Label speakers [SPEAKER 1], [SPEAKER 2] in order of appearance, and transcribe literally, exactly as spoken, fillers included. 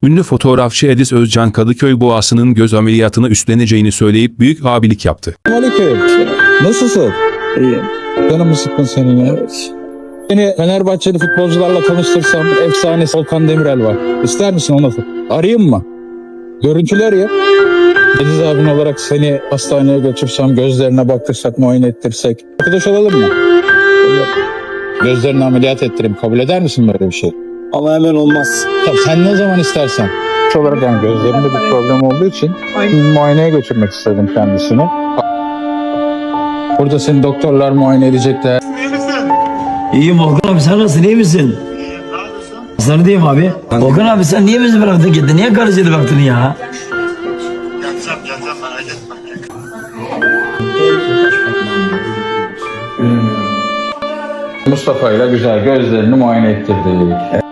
[SPEAKER 1] Ünlü fotoğrafçı Ediz Özcan Kadıköy Boğası'nın göz ameliyatını üstleneceğini söyleyip büyük abilik yaptı.
[SPEAKER 2] Aleyküm. Nasılsın?
[SPEAKER 3] İyi.
[SPEAKER 2] Canım mı sıkkın senin ya?
[SPEAKER 3] Evet.
[SPEAKER 2] Seni Fenerbahçeli futbolcularla tanıştırsam efsanesi Volkan Demirel var. İster misin onu? Arayayım mı? Görüntüler ya. Ediz abin olarak seni hastaneye götürsem, gözlerine baktırsak, muayene ettirsek. Arkadaş olalım mı? Gözlerini ameliyat ettireyim. Kabul eder misin böyle bir şey?
[SPEAKER 3] Ama hemen olmaz.
[SPEAKER 2] Tabii sen ne zaman istersen. Şu olarak yani gözlerinde bir problem olduğu için muayeneye götürmek istedim kendisini. Burada seni doktorlar muayene edecekler.
[SPEAKER 4] İyiyim Volkan abi, sen nasılsın, iyi misin? Sana diyeyim abi. Volkan abi, sen niye bizi bıraktın gittin? Niye karıcıydı baktın ya?
[SPEAKER 5] Geleceğim geleceğim merak etme.
[SPEAKER 2] Mustafa ile güzel gözlerini muayene ettirdik.